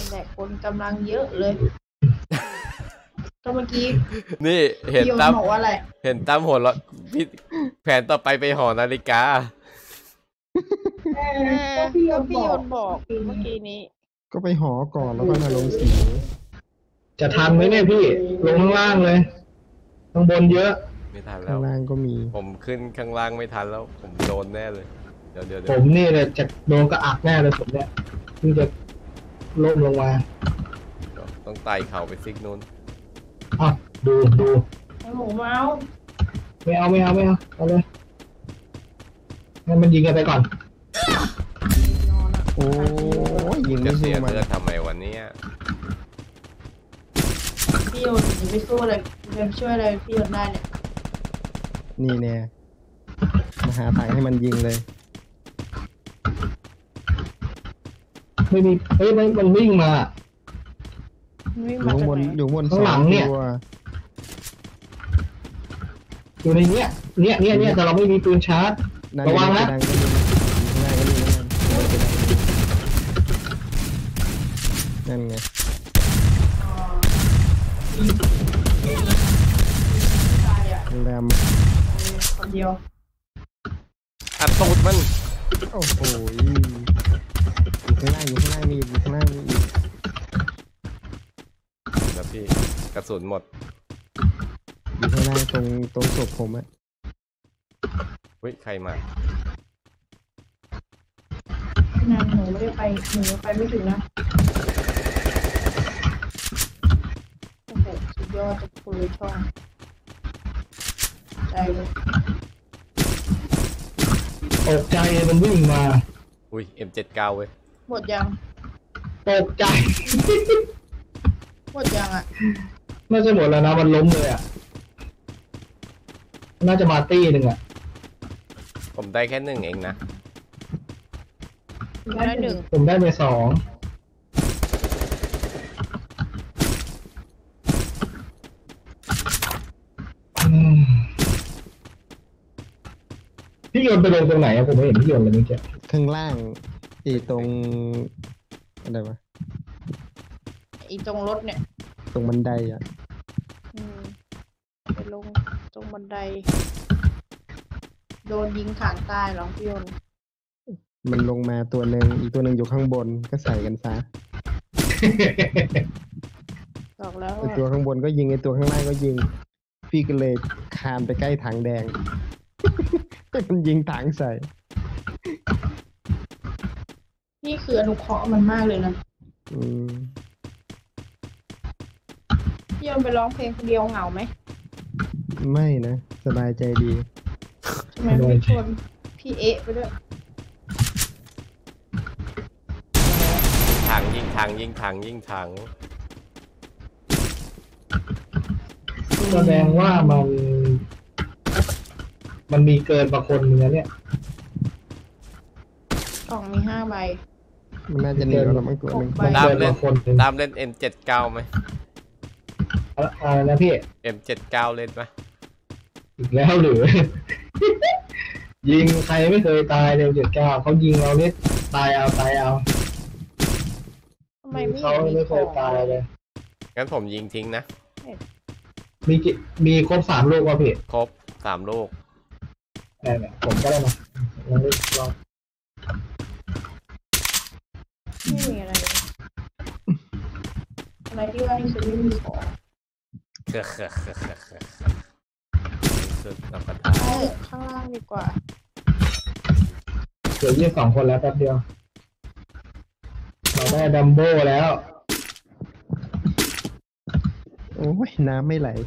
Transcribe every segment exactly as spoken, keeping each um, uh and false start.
แต่คนกำลังเยอะเลยก็เมื่อกี้นี่เห็นตั้มบอกว่าอะไรเห็นตั้มหัวเราะพี่แผนต่อไปไปหอนาฬิกาก็พี่ยนบอกเมื่อกี้นี้ก็ไปหอก่อนแล้วก็มาลงสีจะทันไหมเนี่ยพี่ลงข้างล่างเลยข้างบนเยอะไม่ทันแล้วข้างล่างก็มีผมขึ้นข้างล่างไม่ทันแล้วผมโดนแน่เลยเดี๋ยวเดี๋ยวผมนี่เลยจะโดนกระอักแน่เลยผมเนี่ยที่จะล่มลงมาต้องไต่เข่าไปซิกนู้นอ่ะดูดูไอ้หมูเมาไม่เอาไม่เอาไม่เอาเอาเลยงั้นมันยิงกันไปก่อนโอ้ยยิงไม่จะเสียสู้มันเลือดทำไมวันนี้พี่ยนไปสู้เลยไปช่วยอะไรพี่ยนได้เนี่ยนี่เนี่ยมาหาทางให้มันยิงเลยไม่มีเฮ้ยมันมันวิ่งมาอยู่บนอยู่บนข้างหลังเนี่ยอยู่ในเนี้ยเนี้ยเนี้ยเนี้ยแต่เราไม่มีปืนชาร์จระวังนะนั่นไงแรมคนเดียวอัดตูดมันโอ้โหอยู่ข้างล่างอยู่ข้างล่างมีอยู่ข้างล่างมีอีกแล้วพี่กระสุนหมดอยู่ข้างล่างตรงตรงศพผมอะเฮ้ยใครมานั่นหนูไม่ได้ไปหนูไปไม่ถึงนะโอ้โหสุดยอดจะคุยช่องใจเลยตกใจมันวิ่งมาอุ้ย เอ็ม เจ็ดสิบเก้า เว้ยหมดยังตกใจหมดยังอ่ะน่าจะหมดแล้วนะมันล้มเลยอ่ะน่าจะมาตี้หนึ่งอ่ะผมได้แค่หนึ่งเองนะได้หนึ่งผมได้ไปสองพี่โยนไปลงตรงไหนอะผมไม่เห็นพี่โยนเลยเมื่อกี้ข้างล่างอีตรงอะไรวะอีตรงรถเนี่ยตรงบันไดอ่ะอืมไปลงตรงบันไดโดนยิงขางใต้หรอพี่ยนมันลงมาตัวหนึ่งอีกตัวหนึ่งอยู่ข้างบนก็ใส่กันซะบอกแล้วไอตัวข้างบนก็ยิงไอตัวข้างล่างก็ยิงพี่ก็เลยคานไปใกล้ถังแดงมันยิงถังใส่นี่คืออนุเคราะห์มันมากเลยนะอืมพี่ยนไปร้องเพลงคนเดียวเหงาไหมไม่นะสบายใจดีทำไมไม่ชวนพี่เอ๊ะไปด้วยทางยิงทางยิงทางยิงทางแสดงว่ามันมันมีเกินบางคนเนื้อเนี่ยกล่องมีห้าใบมันน่าจะหนีแล้วมั้งตัวหนึ่งตามเล่นตามเล่น เอ็ม เจ็ดสิบเก้า ไหมอะไรนะพี่เอ็ม เจ็ดสิบเก้า เล่นไหมอีกแล้วหรือ ยิงใครไม่เคยตายเร็วเจ็ดเก้าเขายิงเราเนี่ยตายเอาตายเอาทำไมไม่เขาไม่เคยตายเลยงั้นผมยิงทิ้งนะมีมีครบสามลูกป่ะพี่ครบสามลูกเนี่ยผมก็ได้มาลองดูลองไม่มีอะไรอะไรที่ว่าที่สุดไม่มีของเคือเคือเคือเคือเคือสุดรับประทานข้างล่างดีกว่าเหลือยี่สิบสองคนแล้วแป๊บเดียวเราได้ดัมโบ้แล้วโอ้ยน้ำไม่ไหล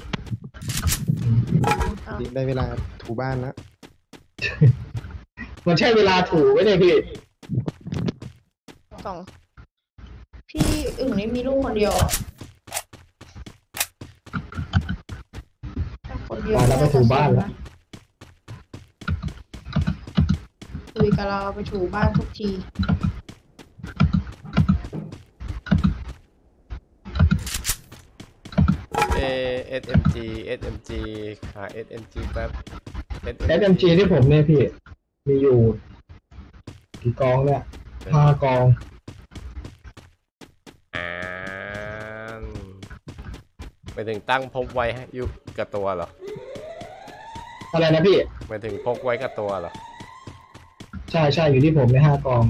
ได้เวลาถูบ้านแล้วมันใช่เวลาถูไหมเนี่ยพี่สองพี่อึ่งนี่มีลูกคนเดียวคนเดียวแล้วไปถูบ้านแล้วคุยกับเราไปถูบ้านทุกทีเอ เอส เอ็ม จี เอส เอ็ม จี หา เอส เอ็ม จี แป๊บเอส เอ็ม จี ที่ผมเนี่ยพี่มีอยู่กี่กองเนี่ยห้ากองไปถึงตั้งพกไว้ให้อยู่กับตัวเหรออะไรนะพี่ไปถึงพกไว้กับตัวเหรอใช่ใช่อยู่ที่ผมในห้ากอง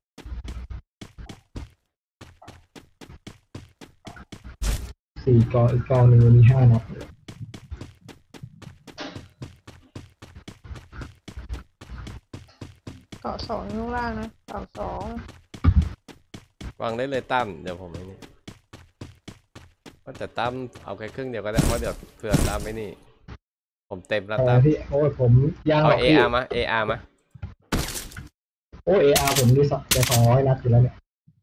สี่กองอีกกองหนึ่งมีห้านัดเกาะสองข้างล่างนะเกาะสองวางได้เลยตั้มเดี๋ยวผมไอ้นี่ว่าแต่ตั้มเอาแค่ครึ่งเดียวก็ได้เพราะเดี๋ยวเผื่อตั้มไม่นี่ ผมเต็มแล้วอะไรตั้มพี่โอ้ยผมย่างหเอารอกเอพี่อาร์มาเออาร์มาโอ้เออาร์ผมดีสักจะสองร้อยนัดอยู่แล้วเนี่ย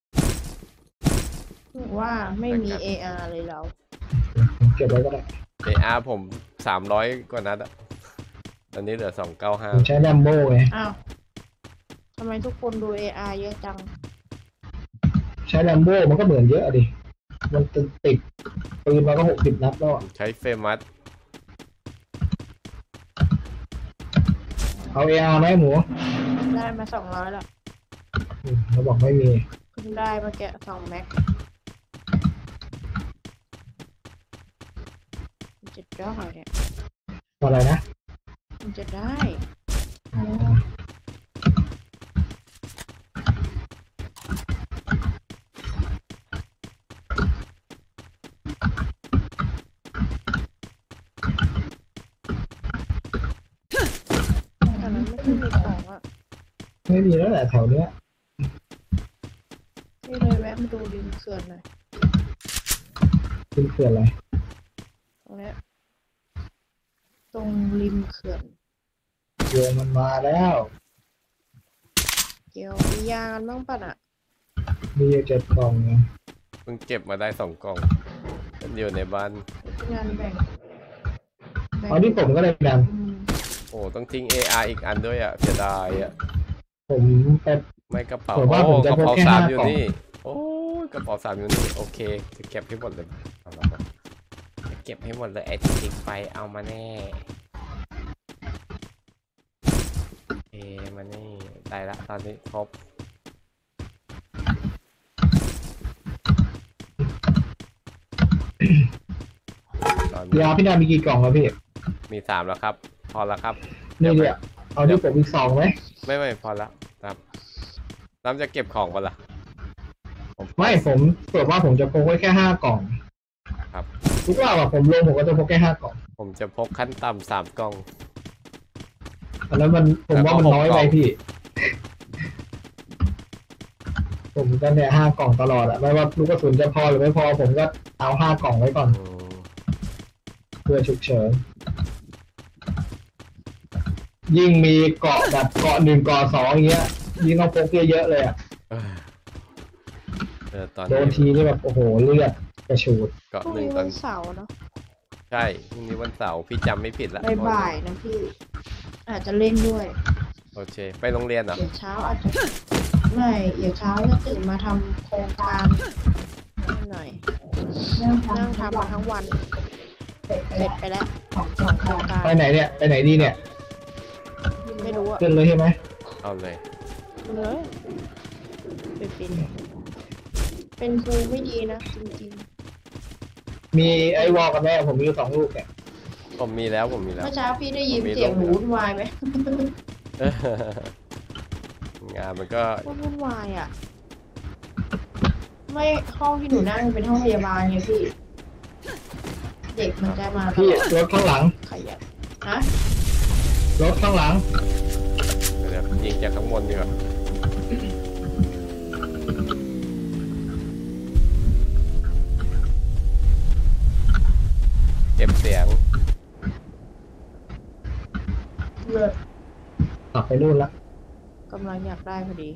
ว่าไม่มี เอ อาร์ เลยเราผมเก็บไว้ก็ได้เออาร์ผมสามร้อยกว่านัดอะตอนนี้เหลือสองเก้าห้าผมใช้แรมโบ้ไงอ้าวทำไมทุกคนดู เอ อาร์ เยอะจังใช้แรมโบ้มันก็เหมือนเยอะอะดิมันติดปืนมาก็หกสิบนัดแล้วอะใช้เฟมัสเอาเออาร์ไหมหมูได้มาสองร้อยแล้วอืมเขาบอกไม่มีเพิ่งได้มาแกะสองแม็กมันจะได้เนี่ยอะไรนะมันจะได้อ๋อแต่นั้นไม่ค่อยมีของอ่ะไม่มีแล้วแหละแถวเนี้ยพี่เลยแวะมาดูริมเขื่อนหน่อยเป็นเขื่อนอะไรตรงเนี้ยตรงริมเขื่อนเรือมันมาแล้วเกี่ยวมียากันบ้างป่ะน่ะมีอยู่เจ็ดกล่องนะเพิ่งเก็บมาได้สองกล่องอยู่ในบ้านงานแบ่งแบ่งเอาที่ผมก็เลยดังอืมโอ้ต้องทิ้ง เอ อาร์ อีกอันด้วยอ่ะเสียดายอ่ะผมไปไม่กระเป๋าผมว่าโอ้ผมจะกระเป๋าพกแค่สามห้าอยู่กล่องนี่โอ้ยกระเป๋าสามอยู่นี่โอเคจะเก็บให้หมดเลยเอาละครับจะเก็บให้หมดเลยไอ้ที่ทิ้งไปเอามาแน่เอมานี่ได้ละตอนนี้ครบตอนนี้ยาพี่นามีกี่กล่องแล้วพี่มีสามแล้วครับ พอแล้วครับนี่เนี่ยเอาที่ผมอีกสองไหมไม่ไม่พอแล้วครับน้ำจะเก็บของปะล่ะผมไม่ผมเปิดว่าผมจะพกไว้แค่ห้ากล่องครับทุกรอบอะผมลงผมก็จะพกแค่ห้ากล่องผมจะพกขั้นต่ำสามกล่องอันนั้นมันผมว่ามันน้อยไปพี่ ผมก็เนี่ยห้ากล่องตลอดอะไม่ว่าลูกกระสุนจะพอหรือไม่พอผมก็เอาห้ากล่องไว้ก่อนอืมเพื่อฉุกเฉินยิ่งมีเกาะแบบเกาะหนึ่งเกาะสองอย่างเงี้ยยิ่งต้องพกเยอะๆเลยอะเออเออตอนโดนนี้ทีนี่แบบโอ้โหเลือดกระฉูดเกาะพรุ่งหนึ่งนี้ตอวัน นเสาร์เนาะใช่พรุ่งนี้วันเสาร์พี่จำไม่ผิดละบ่ายๆนะพี่ อาจจะเล่นด้วยโอเคไปโรงเรียนเหรอเดี๋ยวเช้าอาจจะไม่เดี๋ยวเช้าจะตื่นมาทำโครงการนิดหน่อยนั่งทำมาทั้งวัน เสร็จไปแล้วสองโครงการไปไหนเนี่ยไปไหนดีเนี่ยไม่รู้อะขึ้นเลยใช่ไหมเอาเลยเลยไปเป็นเป็นครูไม่ดีนะจริงมีไอ้วอลกันแม่ผมมีอยู่สองลูกเนี่ยผมมีแล้วผมมีๆแล้วเมื่อเช้าพี่ได้ยินเสียงหนูวุ่นวายไหมงานมันก็ก็วุ่นวายอ่ะ ไม่ห้องที่หนูนั่งเป็นห้องพยาบาลไงพี่ เด็กมันจะมาตพี่ลอดรถข้างหลังขยันฮะรถข้างหลังเดี๋ยวยิงจากข้างบนดีกว่าเก็บเสียงเลิศกลับไปนู่นละกำลังอยากได้พอดี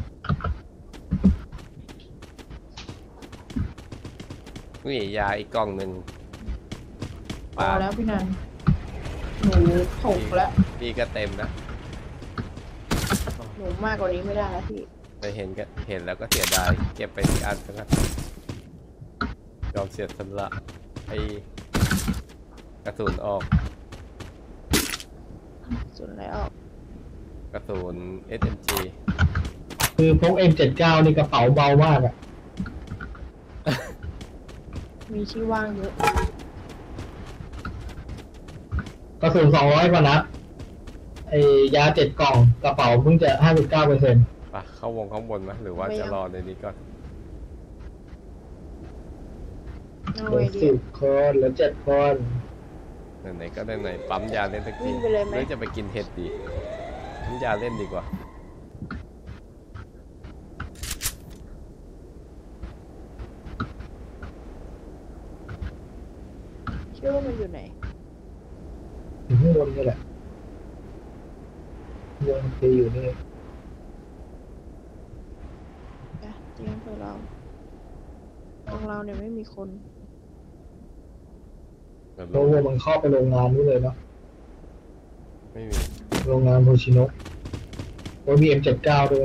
นี่ยาอีกกล่องหนึ่งพอแล้วพี่นันหนูถกแล้วพี่ก็เต็มนะหนูมากกว่านี้ไม่ได้แล้วพี่ไปเห็นก็เห็นแล้วก็เสียดายเก็บไปอีกอันสักอันยอมเสียสละไอกระสุนออกสุดแล้วกระสุน เอส เอ็ม จีคือพก เอ็ม เจ็ดสิบเก้า นี่กระเป๋าเบามากอะมีที่ว่างเยอะกระสุนสองร้อยกว่านัดไอ้ยาเจ็ดกล่องกระเป๋าเพิ่งจะห้าสิบเก้าเปอร์เซ็นต์ไปเข้าวงข้างบนไหมหรือว่าจะรอในนี้ก่อนเอาเหลืไออเดีสิยบคนเหลือเจ็ดคนไหนๆก็ได้ไหนปั๊มยาเล่นสักวิ่ทีงไปเลยไหมหรือจะไปกินเห็ดดีปั๊มยาเล่นดีกว่าคิดว่ามันอยู่ไหนอยู่ข้างบนนี่แหละวงตีอยู่นี่อะเตียงเพื่อเราของเราเนี่ยไม่มีคนเดี๋ยวโลลงโวมันเข้าไปโรงงานนู้นเลยเนาะไม่มีโรงงานโฮชิโนะโอ้ยมี เอ็ม เจ็ดสิบเก้า ด้วย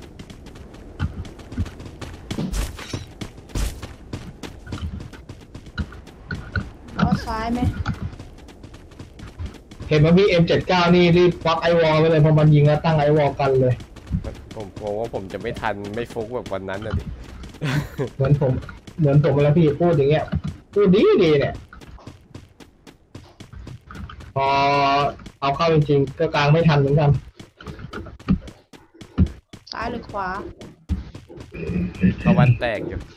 ล้อซ้ายไหมเห็นว่ามี เอ็ม เจ็ดสิบเก้า นี่รีบควักไอวอลไปเลยพอมันยิงแล้วตั้งไอวอลกันเลยผมกลัวว่าผมจะไม่ทันไม่ฟุกแบบวันนั้นนะดิเหมือนผมเหมือนผมแล้วพี่พูดอย่างเงี้ยพูดดีดีเนี่ย พอเอาเข้าจริงๆก็กลางไม่ทันเหมือนกันซ้ายหรือขวาตะวันแตกอยู่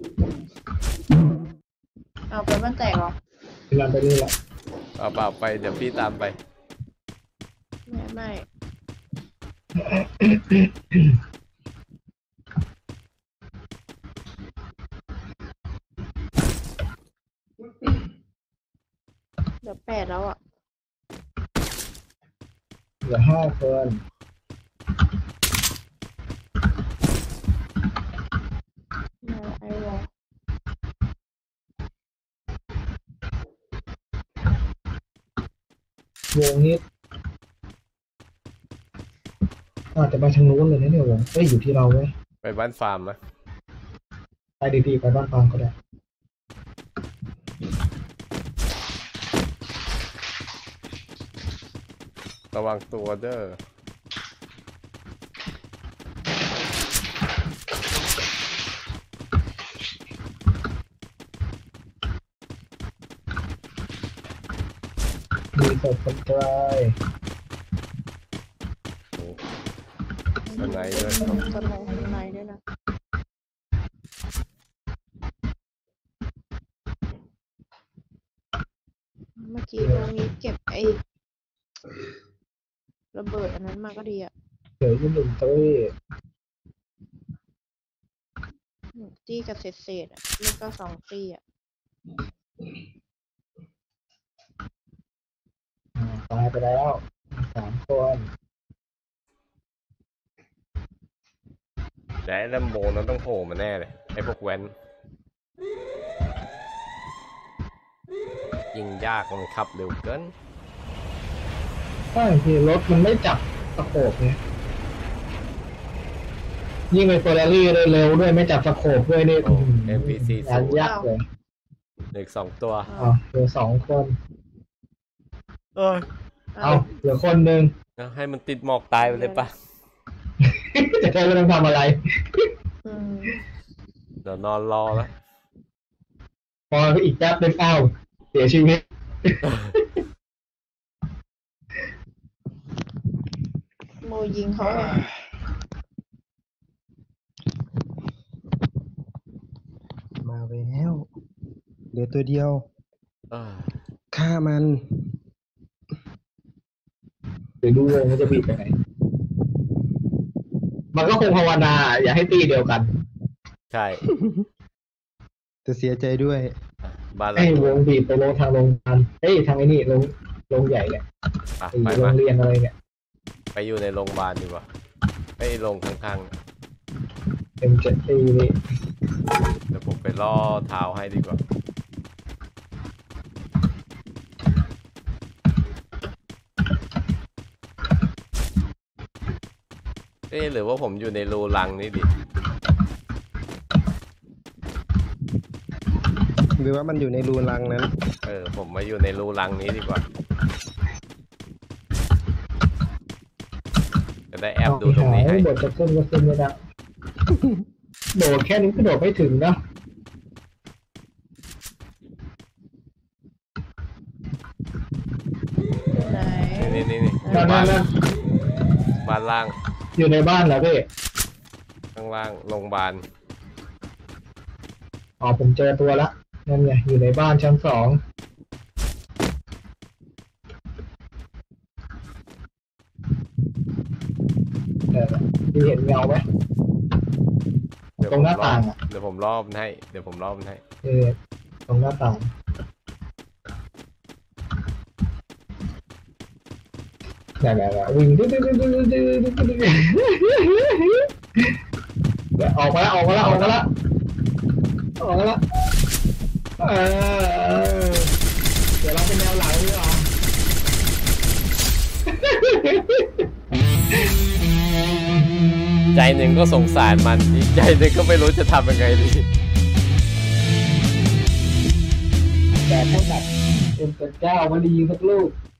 เอาไปมันแตกเหรอเวลาไปนี่แหละเปล่าเปล่าไปเดี๋ยวพี่ตามไปไม่ไม่เดี๋ยวแปดแล้วอ่ะเหลือห้าคนมาไอวอลวงนี้อาจจะไปทางนู้นเลยนะเนี่ยวงเอ้ยอยู่ที่เราเว้ยไปบ้านฟาร์มนะไปดีๆไปบ้านฟางก็ได้ระวังตัวเด้อมีศพคนตายโอ้สไนด์ด้วยตรงสนองข้างในด้วยนะ เมื่อกี้ตรงนี้เก็บไอ้ระเบิดอันนั้นมาก็ดีอ่ะเหลืออยู่หนึ่งตัวหนึ่งตี้กับเศษเศษๆอ่ะนี่ก็สองตี้อ่ะอ่าตายไปแล้วสามคนแต่ไอ้แลมโบนั้นต้องโผล่มาแน่เลยไอ้พวกแว้นยิงยากมันขับเร็วเกินใช่พี่รถมันไม่จับสโคปไงยิ่งเป็นเฟอร์รารี่เลยเร็วด้วยไม่จับสโคปด้วยนี่โอ้ เอ็ม พี ซีงานศูนย์ยากเลยเหลืออกสองตัวอ่าเหลือสองคนเอ้ยเอาเหลือคนหนึ่งเอาให้มันติดหมอกตายไปเลยปะจะได้ไม่ต้องทำอะไรอืมเดี๋ยวนอนรอแล้วพออีกแป๊บนึงอ้าวเสียชีวิตโมยิงเขาไงมาแล้วเหลือตัวเดียวเอ้ยฆ่ามันเดี๋ยวดูวงมันจะบีบไปไหน มันก็คงภาวนาอย่าให้ตีเดียวกันใช่แต่เสียใจด้วยบ้านเราให้วงบีบไปลงทางโรงงานเอ้ยทางไอ้นี่โรงโรงใหญ่เนี่ยอ่ะไอ้ไปโรมางเรียนอะไรเนี่ยไปอยู่ในโรงพยาบาลดีกว่าไปโรงข้างเอ็มเจ็ดตีนี่ๆเดี๋ยวผมไปล่อเท้าให้ดีกว่า เอ๊ะหรือว่าผมอยู่ในรูรังนี่ดิหรือว่ามันอยู่ในรูรังนั้นเออ ผมมาอยู่ในรูรังนี้ดีกว่า จะได้แอบดูตรงนี้ให้โดดจะขึ้นก็ขึ้นไม่ได้โดดแค่นี้ก็โดดไม่ถึงนะนี่นี่นี่นั่นบ้านั่นนนั่นบ้านล่างอยู่ในบ้านเหรอพี่ข้างล่างโรงพยาบาลอ๋อผมเจอตัวละนั่นไงอยู่ในบ้านชั้นสองเออพี่เห็นเงาไหมเดี๋ยวตรงหน้าผมรอบต่างอะเดี๋ยวผมรอบมันให้เดี๋ยวผมรอบมันให้เออตรงหน้าต่างนั่นแหละวิ่งดื้อดื้อดื้อดื้อดื้อดื้อดื้อเดี๋ยวออกมาแล้วออกมาแล้วออกมาแล้วออกมาแล้วเออเดี๋ยวเราเป็นแนวหลังดีกว่าใจหนึ่งก็สงสารมันอีกใจหนึ่งก็ไม่รู้จะทำยังไงดีแต่ถ้าแบบเอ็มเก้ามาดีสักลูก